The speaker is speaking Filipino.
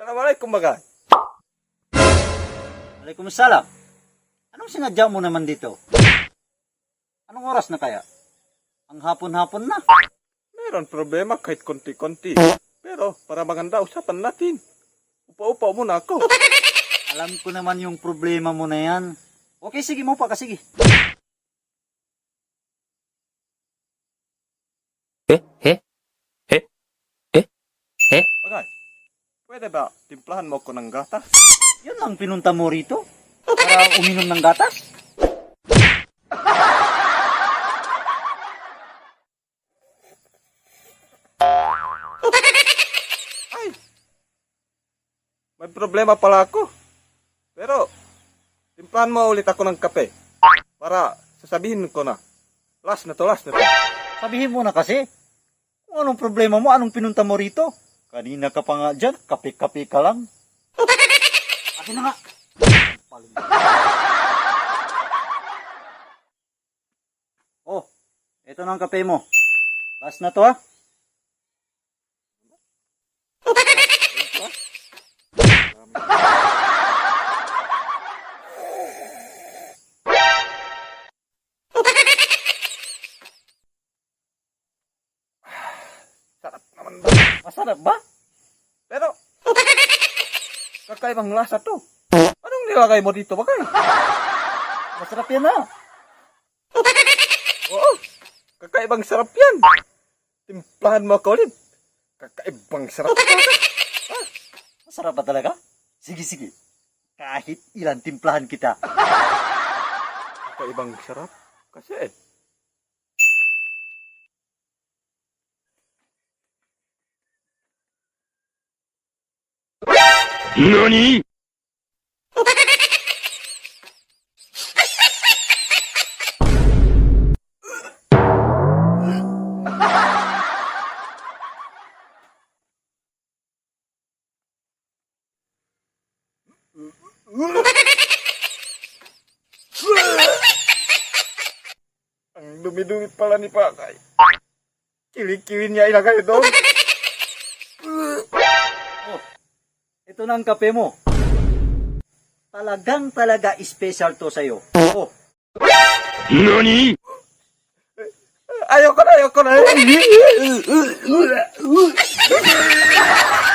Assalamualaikum bagay. Waalaikumsalam. Anong sinadya mo naman dito? Anong oras na kaya? Ang hapon-hapon na. Meron problema kahit konti-konti. Pero para maganda usapan natin. Upa-upa muna ako. Alam ko naman yung problema mo na yan. Okay, sige mo pa ka, sige. Bagay, pwede ba timplahan mo ko ng gatas? Yun lang pinunta mo rito? Para uminom ng gatas? Ay! May problema pala ako. Pero, timplahan mo ulit ako ng kape. Para sasabihin ko na. Last na to. Sabihin mo na kasi. Kung anong problema mo, anong pinunta mo rito? Kanina ka pa nga dyan, kape-kape ka lang. Akin na nga. Oh, ito na ang kape mo. Last na to ha. Sarap naman ba? Masarap ba? Pero, kakaibang lasa to. Anong nilagay mo dito, bagay? Masarap yan ha. Oo, kakaibang sarap yan. Timplahan mo ako ulit. Kakaibang sarap. Masarap ba talaga? Sige. Kahit ilan timplahan kita. Kakaibang sarap. Kasi, NANI?! ang dumi-dumi pala ni Pakay. Kili-kili niya ilagay doon. Oh, ito na ang kape mo. Talaga special to sa'yo. Oh, NANI?! Ayoko na.